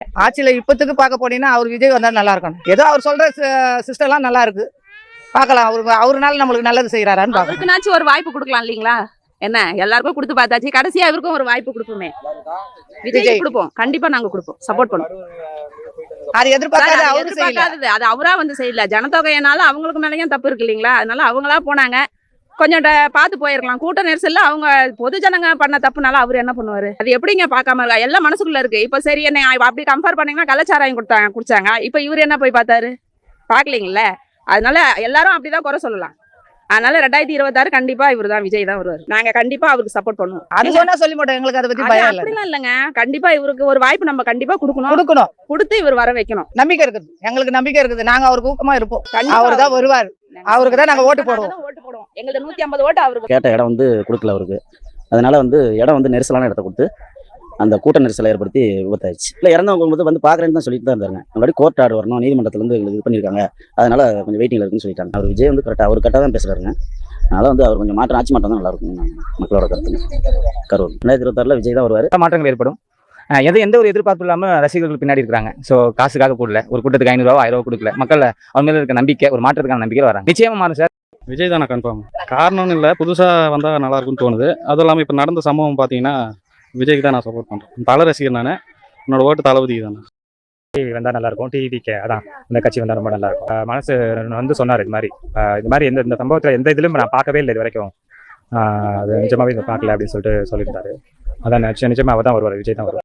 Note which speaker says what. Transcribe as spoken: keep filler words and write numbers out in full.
Speaker 1: ஆட்சியில் இப்போத்துக்கு பார்க்க போனீங்கன்னா அவர் விஜய் வந்தால் நல்லா இருக்கணும். ஏதோ அவர் சொல்கிற சிஸ்டம்லாம் நல்லா இருக்கு, பார்க்கலாம். அவரு அவருனால நம்மளுக்கு நல்லது செய்கிறாரான்னு பார்க்கலாம்.
Speaker 2: அவருக்குனாச்சும் ஒரு வாய்ப்பு கொடுக்கலாம் இல்லைங்களா? என்ன எல்லாருக்கும் கொடுத்து பார்த்தாச்சு, கடைசியா இவருக்கும் ஒரு வாய்ப்பு கொடுப்போமே. விஜய் கொடுப்போம், கண்டிப்பா நாங்க கொடுப்போம், சப்போர்ட் பண்ணுவோம்.
Speaker 1: அது எதிர்பார்க்காத அவரு
Speaker 2: எதிர்பார்க்காதது, அது அவரா வந்து செய்யல. ஜனத்தொகையினால அவங்களுக்கு மேலேயும் தப்பு இருக்கு இல்லைங்களா? அதனால அவங்களா போனாங்க, கொஞ்சம் பார்த்து போயிருக்கலாம். கூட்ட நெரிசல்ல அவங்க பொது ஜனங்க பண்ண தப்புனால அவர் என்ன பண்ணுவாரு? அது எப்படிங்க பார்க்காம இருக்கா? எல்லாம் மனசுக்குள்ள இருக்கு. இப்ப சரி, என்ன அப்படி கம்பேர் பண்ணீங்கன்னா கள்ளச்சாராயம் கொடுத்தாங்க குடிச்சாங்க, இப்ப இவர் என்ன போய் பார்த்தாரு? பார்க்கலீங்கல்ல. அதனால எல்லாரும் அப்படிதான் குறை சொல்லலாம். அதனால ரெண்டாயிரத்தி இருபத்தி ஆறு கண்டிப்பா இவர் தான், விஜய் தான் வருவார். நாங்க கண்டிப்பா அவருக்கு சப்போர்ட் பண்ணுவோம்.
Speaker 1: அது சொன்னா சொல்லி மாட்டோம், எங்களுக்கு அதை பத்தி பயம் இல்ல.
Speaker 2: அப்படிலாம் இல்லைங்க, கண்டிப்பா இவருக்கு ஒரு வாய்ப்பு நம்ம கண்டிப்பா கொடுக்கணும்
Speaker 1: கொடுக்கணும்
Speaker 2: கொடுத்து இவர் வர வைக்கணும்.
Speaker 1: நம்பிக்கை இருக்குது, எங்களுக்கு நம்பிக்கை இருக்குது. நாங்க அவருக்கு ஊக்கமா இருப்போம். அவர் தான் வருவார், அவருக்கு தான் நாங்க ஓட்டு போடுவோம்.
Speaker 2: ஓட்டு போடுவோம். எங்களுக்கு நூத்தி ஐம்பது ஓட்டு அவருக்கு.
Speaker 3: கேட்ட இடம் வந்து கொடுக்கல அவருக்கு. அதனால வந்து இடம் வந்து நெரிசலான இடத்த கொடுத்து அந்த கூட்ட நெரிசலை ஏற்படுத்தி விபத்தாயிடுச்சு. இல்லை, இறந்தவங்க வந்து வந்து பார்க்குறேன்னு தான் சொல்லிட்டு தான் இருந்தாங்க. முன்னாடி கோர்ட் ஆர்டர் வரணும், நீதிமன்றத்தில் வந்து எங்களுக்கு இது பண்ணியிருக்காங்க, அதனால கொஞ்சம் வெயிட்டிங்ல இருக்குன்னு சொல்லிட்டாங்க. அவர் விஜய் வந்து கரெக்டாக அவர் கரெக்டாக தான் பேசுறாருங்க. அதனால வந்து அவர் கொஞ்சம் மாற்றம், ஆட்சி மாற்றம் தான் நல்லா இருக்கும் மக்களோட கருத்து. கரூர் ரெண்டாயிரத்தி இருபத்தாறுல விஜய் தான் வருவார்.
Speaker 4: மாற்றங்கள் ஏற்படும். எது எந்த ஒரு எதிர்பார்ப்பு இல்லாமல் ரசிகர்கள் பின்னாடி இருக்காங்க. ஸோ காசுக்காக கூடல, ஒரு கூட்டத்துக்கு ஐநூறு ரூபா ஆயிரம் ரூபா கொடுக்கல, மக்கள் அவங்க மேல இருக்க நம்பிக்கை, ஒரு மாற்றத்துக்கான நம்பிக்கை வராங்க. நிச்சயமா மாறும் சார்.
Speaker 5: விஜய் தானே கன்ஃபார்ம். காரணம்னு இல்லை, புதுசாக வந்தால் நல்லா இருக்கும்னு தோணுது. அதுவும் இல்லாமல் இப்போ நடந்த சம்பவம் பார்த்தீங்கன்னா விஜய்க்கு தான் நான் சப்போர்ட் பண்ணுறேன். தலை ரசிகர் நான், என்னோட ஓட்டு தளபதிக்கு தானே.
Speaker 4: வந்தால் நல்லா இருக்கும். டிவிக்கே அதான் இந்த கட்சி வந்தால் ரொம்ப நல்லா இருக்கும். மனசு வந்து சொன்னார் இது மாதிரி இது மாதிரி எந்த இந்த சம்பவத்தில் எந்த இதுலையும் நான் பார்க்கவே இல்லை இது வரைக்கும். அது நிஜமாவே இதை பார்க்கல அப்படின்னு சொல்லிட்டு சொல்லியிருந்தாரு. அதான் நிச்சயமா அவர் தான் வருவார், விஜய் தான் வருவார்.